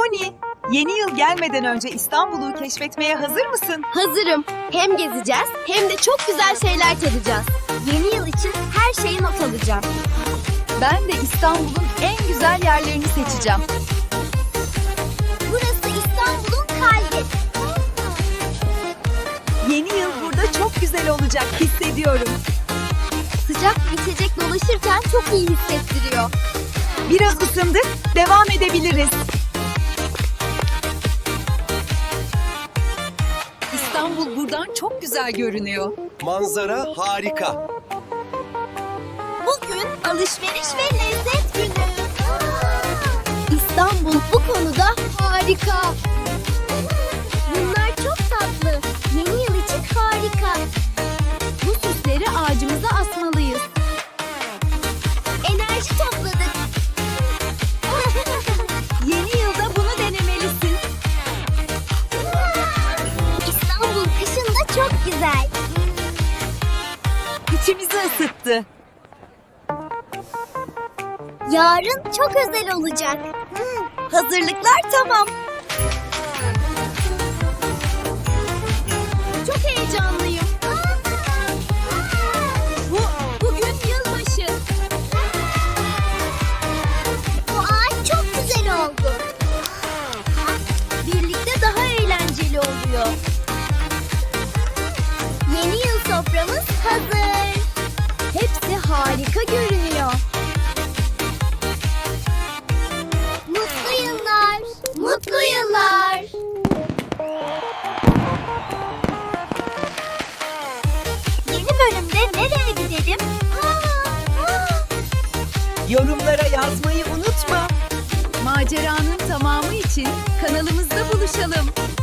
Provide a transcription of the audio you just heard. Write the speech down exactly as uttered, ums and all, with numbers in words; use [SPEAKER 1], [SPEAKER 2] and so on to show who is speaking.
[SPEAKER 1] Moni, yeni yıl gelmeden önce İstanbul'u keşfetmeye hazır mısın?
[SPEAKER 2] Hazırım. Hem gezeceğiz hem de çok güzel şeyler tadacağız. Yeni yıl için her şeyi not alacağım.
[SPEAKER 1] Ben de İstanbul'un en güzel yerlerini seçeceğim.
[SPEAKER 2] Burası İstanbul'un kalbi.
[SPEAKER 1] Yeni yıl burada çok güzel olacak, hissediyorum.
[SPEAKER 2] Sıcak bir içecek dolaşırken çok iyi hissettiriyor.
[SPEAKER 1] Biraz ısındık, devam edebiliriz. İstanbul buradan çok güzel görünüyor.
[SPEAKER 3] Manzara harika.
[SPEAKER 2] Bugün alışveriş ve lezzet günü. İstanbul bu konuda harika. Bunlar çok tatlı. Yeni yıl için harika.
[SPEAKER 1] Bu süsleri ağacımıza asmalıyız.
[SPEAKER 2] Enerji topladık.
[SPEAKER 1] Yeni yılda bunu denemelisin.
[SPEAKER 2] İstanbul kışın da çok güzel.
[SPEAKER 1] İçimizi ısıttı.
[SPEAKER 2] Yarın çok özel olacak. Hazırlıklar tamam. Çok heyecanlıyım.
[SPEAKER 1] Bu, bugün yılbaşı.
[SPEAKER 2] Bu ağaç çok güzel oldu. Birlikte daha eğlenceli oluyor. Yeni yıl soframız hazır. Hepsi harika görünüyor. Mutlu yıllar. Mutlu yıllar. Yeni bölümde nereye gidelim?
[SPEAKER 1] Yorumlara yazmayı unutma. Maceranın tamamı için kanalımızda buluşalım.